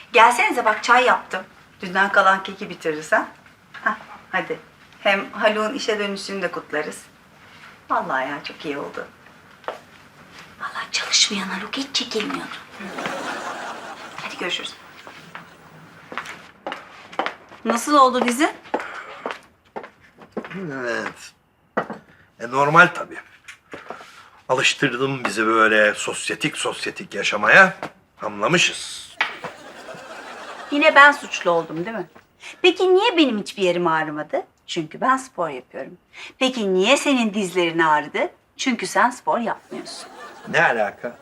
Gelsenize bak çay yaptım. Dünden kalan keki bitiririz ha. Hah, hadi. Hem Haluk'un işe dönüşünü de kutlarız. Vallahi ya çok iyi oldu. Vallahi çalışmayan Haluk hiç çekilmiyordu. Hadi görüşürüz. Nasıl oldu dizi? Evet. Normal tabii. Alıştırdım bizi böyle sosyetik yaşamaya. Anlamışız. Yine ben suçlu oldum değil mi? Peki niye benim hiçbir yerim ağrımadı? Çünkü ben spor yapıyorum. Peki niye senin dizlerin ağrıdı? Çünkü sen spor yapmıyorsun. Ne alaka?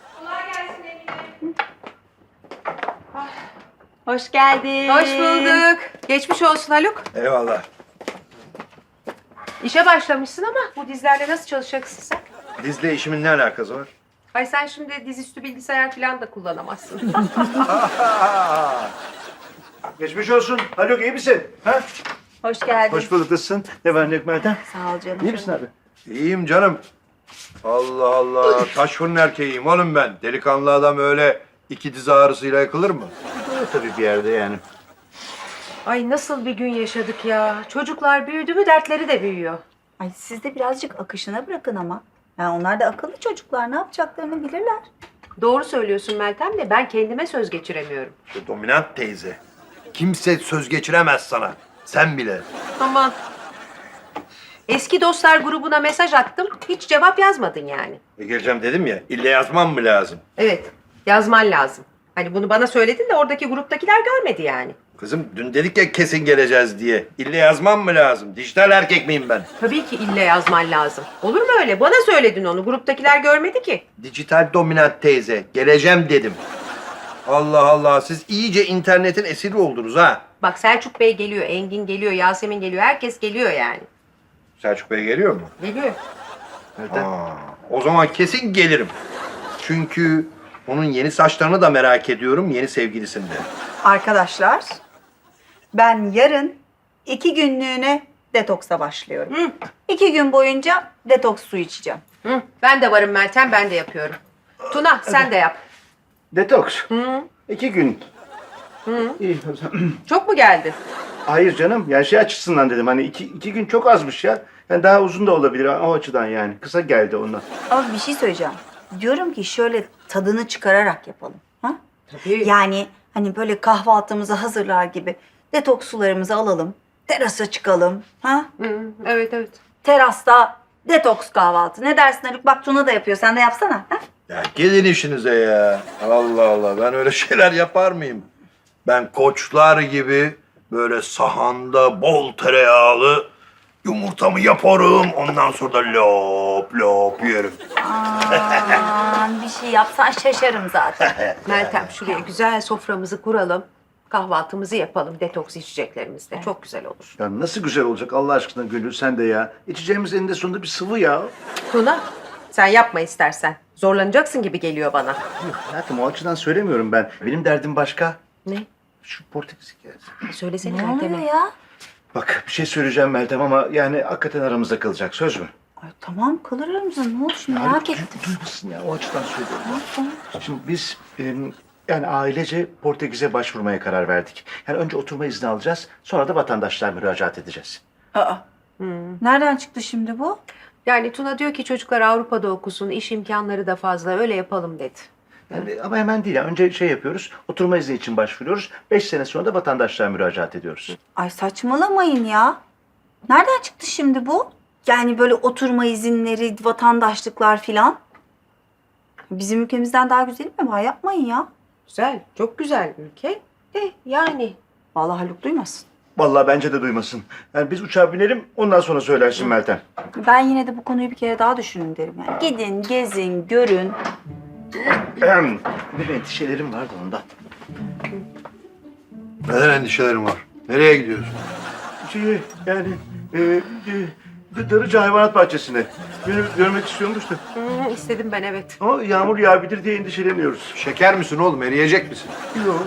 Hoş geldin. Hoş bulduk. Geçmiş olsun Haluk. Eyvallah. İşe başlamışsın ama bu dizlerle nasıl çalışacaksın sen? Dizle işimin ne alakası var? Ay sen şimdi dizüstü bilgisayar falan da kullanamazsın. Geçmiş olsun. Haluk iyi misin? Ha? Hoş geldin. Hoş bulduk. Nasılsın? Ne var ne yok Meltem? Sağ ol canım. İyi misin abi? İyiyim canım. Allah Allah. Taş fırın erkeğiyim oğlum ben. Delikanlı adam öyle iki diz ağrısıyla yakılır mı? Öyle tabii bir yerde yani. Ay nasıl bir gün yaşadık ya. Çocuklar büyüdü mü dertleri de büyüyor. Ay siz de birazcık akışına bırakın ama. Yani onlar da akıllı çocuklar ne yapacaklarını bilirler. Doğru söylüyorsun Meltem de ben kendime söz geçiremiyorum. Şu dominant teyze. Kimse söz geçiremez sana. Sen bile. Aman. Eski dostlar grubuna mesaj attım. Hiç cevap yazmadın yani. Geleceğim dedim ya. İlle yazmam mı lazım? Evet. Yazman lazım. Hani bunu bana söyledin de oradaki gruptakiler görmedi yani. Kızım dün dedik ya kesin geleceğiz diye. İlle yazmam mı lazım? Dijital erkek miyim ben? Tabii ki ille yazman lazım. Olur mu öyle? Bana söyledin onu. Gruptakiler görmedi ki. Dijital dominant teyze. Geleceğim dedim. Allah Allah. Siz iyice internetin esiri oldunuz ha. Bak Selçuk Bey geliyor, Engin geliyor, Yasemin geliyor. Herkes geliyor yani. Selçuk Bey geliyor mu? Geliyor. Meltem. O zaman kesin gelirim. Çünkü onun yeni saçlarını da merak ediyorum. Yeni sevgilisini de. Arkadaşlar ben yarın 2 günlüğüne detoksa başlıyorum. 2 gün boyunca detoks su içeceğim. Hı, ben de varım Meltem, ben de yapıyorum. Tuna sen de yap. Detoks. Hı. 2 gün. İyi o zaman. Çok mu geldi? Hayır canım. Yani şey açısından dedim. Hani iki gün çok azmış ya. Yani daha uzun da olabilir o açıdan yani. Kısa geldi ondan. Ama bir şey söyleyeceğim. Diyorum ki şöyle tadını çıkararak yapalım. Ha? Tabii. Yani hani böyle kahvaltımızı hazırlar gibi detoks sularımızı alalım. Terasa çıkalım. Ha? Hı, evet evet. Terasta detoks kahvaltı. Ne dersin Haluk? Bak Tuna da yapıyor. Sen de yapsana. Ha? Ya gelin işinize ya. Allah Allah. Ben öyle şeyler yapar mıyım? Ben koçlar gibi böyle sahanda bol tereyağlı yumurtamı yaparım. Ondan sonra da lop lop yerim. Aman bir şey yapsan şaşarım zaten. Meltem şuraya güzel soframızı kuralım. Kahvaltımızı yapalım detoks içeceklerimizle. Çok güzel olur. Ya nasıl güzel olacak Allah aşkına Gönül sen de ya. İçeceğimiz eninde sonunda bir sıvı ya. Tuna sen yapma istersen. Zorlanacaksın gibi geliyor bana. Yok hayatım o açıdan söylemiyorum ben. Benim derdim başka. Ne? Şu Portekiz gelsin. Söylesene Ne oluyor Meltem'e. ya? Bak bir şey söyleyeceğim Meltem ama yani hakikaten aramızda kalacak. Söz mü? Ay, tamam kalır aramızda. Ne oldu şimdi Haluk, merak ettim. Duymasın ya o açıdan söylüyorum. Tamam. Şimdi biz yani ailece Portekiz'e başvurmaya karar verdik. Yani önce oturma izni alacağız, sonra da vatandaşlığa müracaat edeceğiz. Aa. Nereden çıktı şimdi bu? Yani Tuna diyor ki çocuklar Avrupa'da okusun, iş imkanları da fazla, öyle yapalım dedi. Yani, ama hemen değil. Yani önce şey yapıyoruz, oturma izni için başvuruyoruz. 5 sene sonra da vatandaşlığa müracaat ediyoruz. Ay saçmalamayın ya. Nereden çıktı şimdi bu? Yani böyle oturma izinleri, vatandaşlıklar filan. Bizim ülkemizden daha güzel mi var? Yapmayın ya. Güzel, çok güzel ülke. De yani. Vallahi Haluk duymasın. Vallahi bence de duymasın. Yani biz uçağa binelim, ondan sonra söylersin Meltem. Ben yine de bu konuyu bir kere daha düşünün derim yani. Gidin, gezin, görün. Bir endişelerim vardı ondan. Neden endişelerim var? Nereye gidiyorsun? Yani Darıca Hayvanat Bahçesi'ne. Beni görmek istiyormuş da. İstedim ben evet. Ama yağmur yağabilir diye endişeleniyoruz. Şeker misin oğlum? Eriyecek misin? Yok.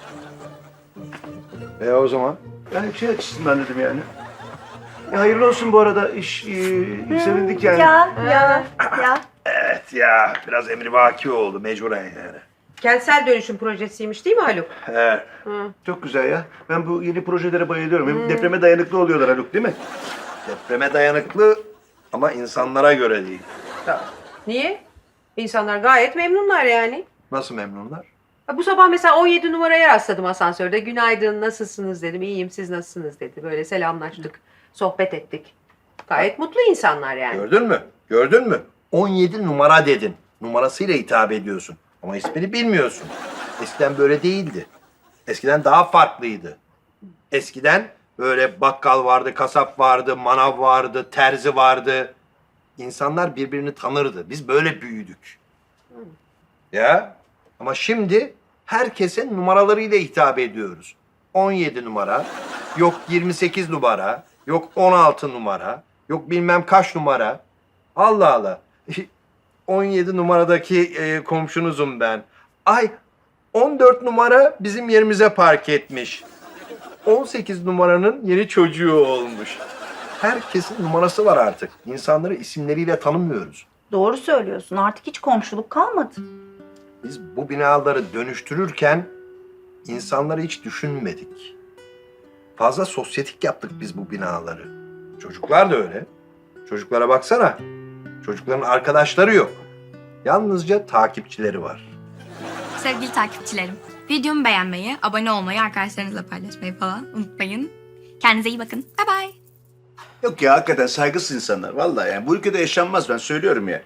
O zaman? Yani şey açısından dedim yani. Hayırlı olsun bu arada iş sevindik yani. Ya. Evet ya. Biraz emrivaki oldu mecburen yani. Kentsel dönüşüm projesiymiş değil mi Haluk? He. Çok güzel ya. Ben bu yeni projelere bayılıyorum. Hem depreme dayanıklı oluyorlar Haluk, değil mi? Depreme dayanıklı ama insanlara göre değil. Niye? İnsanlar gayet memnunlar yani. Nasıl memnunlar? Bu sabah mesela 17 numaraya rastladım asansörde. Günaydın, nasılsınız dedim. İyiyim, siz nasılsınız dedi. Böyle selamlaştık, sohbet ettik. Gayet mutlu insanlar yani. Gördün mü? Gördün mü? 17 numara dedin. Numarasıyla hitap ediyorsun. Ama ismini bilmiyorsun. Eskiden böyle değildi. Eskiden daha farklıydı. Eskiden böyle bakkal vardı, kasap vardı, manav vardı, terzi vardı. İnsanlar birbirini tanırdı. Biz böyle büyüdük. Ya ama şimdi herkesin numaralarıyla hitap ediyoruz. 17 numara, yok 28 numara, yok 16 numara, yok bilmem kaç numara. Allah Allah. 17 numaradaki komşunuzum ben. Ay 14 numara bizim yerimize park etmiş. 18 numaranın yeni çocuğu olmuş. Herkesin numarası var artık. İnsanları isimleriyle tanımıyoruz. Doğru söylüyorsun. Artık hiç komşuluk kalmadı. Biz bu binaları dönüştürürken insanları hiç düşünmedik. Fazla sosyetik yaptık biz bu binaları. Çocuklar da öyle. Çocuklara baksana. Çocukların arkadaşları yok. Yalnızca takipçileri var. Sevgili takipçilerim, videomu beğenmeyi, abone olmayı, arkadaşlarınızla paylaşmayı falan unutmayın. Kendinize iyi bakın. Bye bye. Yok ya, hakikaten saygısız insanlar. Vallahi yani bu ülkede yaşanmaz, ben söylüyorum ya.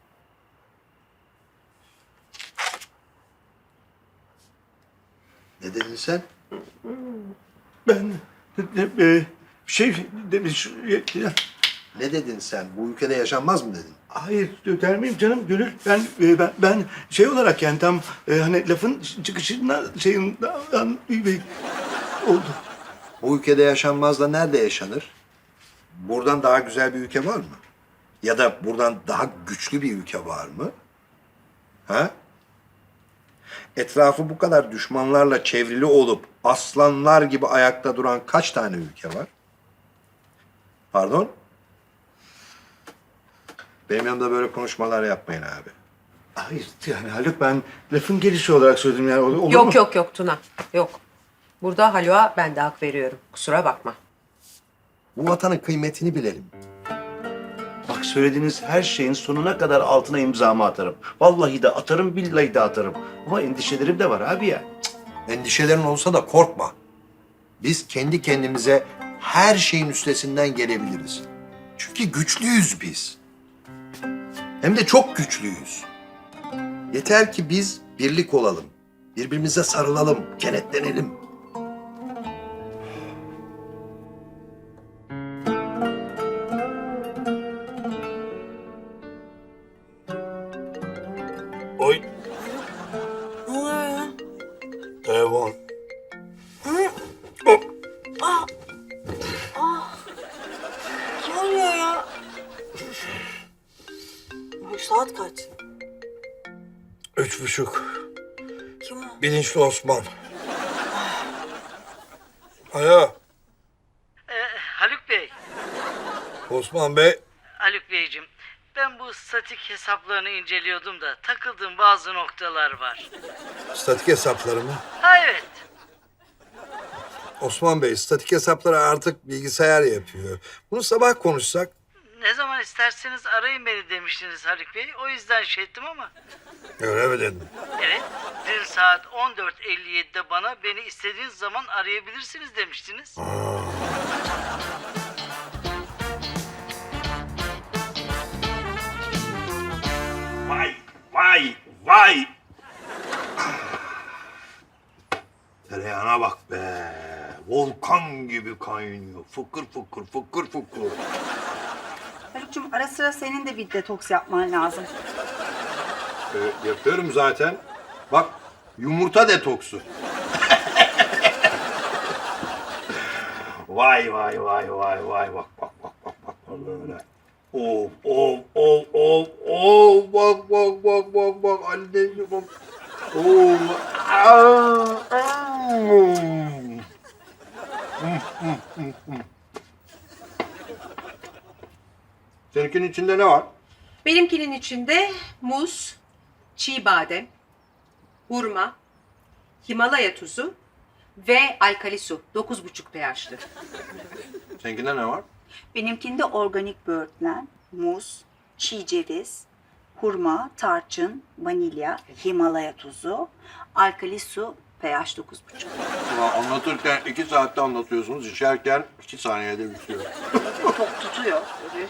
Ne dedin sen? Ben Ne dedin sen? Bu ülkede yaşanmaz mı dedin? hayır der miyim canım Gönül? Ben şey olarak yani tam hani lafın çıkışından şeyinden oldu. Bu ülkede yaşanmaz da nerede yaşanır? Buradan daha güzel bir ülke var mı? Ya da buradan daha güçlü bir ülke var mı? Ha? Etrafı bu kadar düşmanlarla çevrili olup aslanlar gibi ayakta duran kaç tane ülke var? Pardon? Benim yanımda böyle konuşmalar yapmayın abi. Hayır yani Haluk, ben lafın gelişi olarak söyledim yani olur mu? Yok Tuna, yok. Burada Haluk'a ben de hak veriyorum. Kusura bakma. Bu vatanın kıymetini bilelim. Bak, söylediğiniz her şeyin sonuna kadar altına imzamı atarım. Vallahi de atarım, billahi de atarım. Ama endişelerim de var abi ya. Endişelerin olsa da korkma. Biz kendi kendimize her şeyin üstesinden gelebiliriz. Çünkü güçlüyüz biz. Hem de çok güçlüyüz. Yeter ki biz birlik olalım. Birbirimize sarılalım, kenetlenelim. Oy. Ne oluyor ya? Telefon. Kim arıyor ya? Bu saat kaç? 3.30. Kim o? Bilinçli Osman. Alo, Haluk Bey, Osman Bey. Haluk Beyciğim. Ben bu statik hesaplarını inceliyordum da takıldığım bazı noktalar var. Statik hesapları mı? Ha evet. Osman Bey, statik hesapları artık bilgisayar yapıyor. Bunu sabah konuşsak. Ne zaman isterseniz arayın beni demiştiniz Haluk Bey. O yüzden şey ettim ama. Öyle mi dedin? Evet, dün saat 14.57'de bana beni istediğiniz zaman arayabilirsiniz demiştiniz. Vay, vay, vay. Tereyağına bak be. Volkan gibi kaynıyor. Fıkır fıkır, fıkır fıkır. Haluk'cum ara sıra senin de bir detoks yapman lazım. Yapıyorum zaten. Bak, yumurta detoksu. Vay vay vay vay vay, bak bak bak bak bak böyle. Of of of of of, bak bak bak bak bak anneciğim bak. Of. Seninkinin içinde ne var? Benimkinin içinde muz, çiğ badem, hurma, Himalaya tuzu ve alkali su. 9,5 pH'lı. Seninkinde ne var? Benimkinde organik böğürtlen, muz, çiğ ceviz, hurma, tarçın, vanilya, Himalaya tuzu, alkali su, pH 9,5. Ulan anlatırken 2 saatte anlatıyorsunuz, içerken 2 saniyede bitiyor. Tok tutuyor.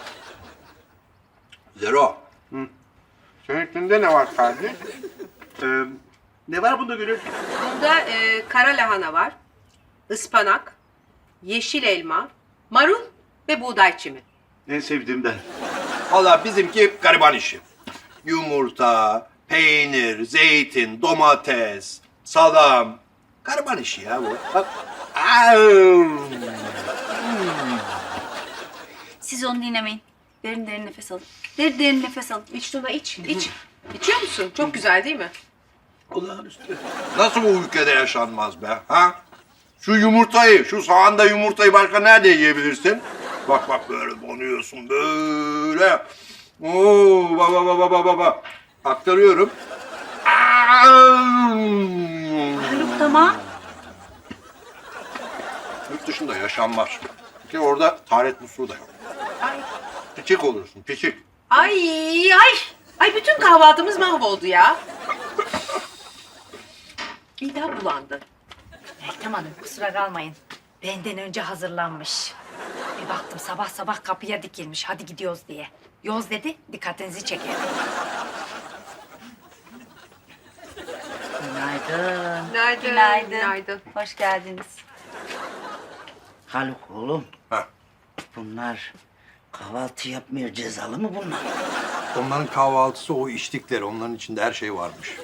Zero. Seninkinde ne var kardeş? Ne var bunda Gönül? Bunda kara lahana var, ıspanak, yeşil elma, marul ve buğday çimi. En sevdiğimden. Valla bizimki gariban işi. Yumurta, peynir, zeytin, domates, salam. Gariban işi ya bu. Bak. Siz onu dinlemeyin. Derin derin nefes alın. Derin derin nefes alın. İç Tuna iç. İçiyor musun? Çok güzel değil mi? Olağanüstü. Nasıl bu ülkede yaşanmaz be? Ha? Şu yumurtayı, şu sahanda yumurtayı başka nerede yiyebilirsin? Bak bak böyle donuyorsun böyle. Oo, baba. Aktarıyorum. Haluk tamam. Yurt dışında yaşanmaz. Ki orada taharet musluğu da yok. Ay. Piçik olursun, piçik. Ay bütün kahvaltımız mahvoldu ya. İdam bulandı. Meltem Hanım kusura kalmayın. Benden önce hazırlanmış. Bir baktım sabah sabah kapıya dikilmiş hadi gidiyoruz diye. Yoz dedi dikkatinizi çeker. Günaydın. Günaydın. Günaydın. Hoş geldiniz. Haluk oğlum. Ha. Bunlar kahvaltı yapmıyor, cezalı mı bunlar? Onların kahvaltısı o içtikleri. Onların içinde her şey varmış.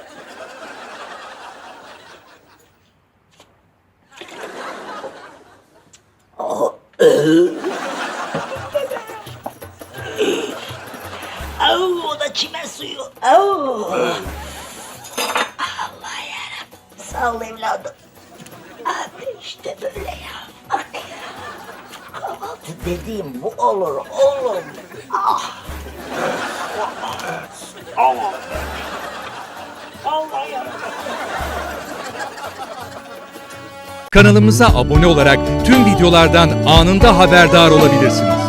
Au, o da çimen suyu. Au. Allah yarabbim. Sağ ol evladım. Abi işte böyle ya. Bak ya. Kahvaltı dediğim bu olur oğlum. Ah. Allah. Allah yarabbim. Kanalımıza abone olarak tüm videolardan anında haberdar olabilirsiniz.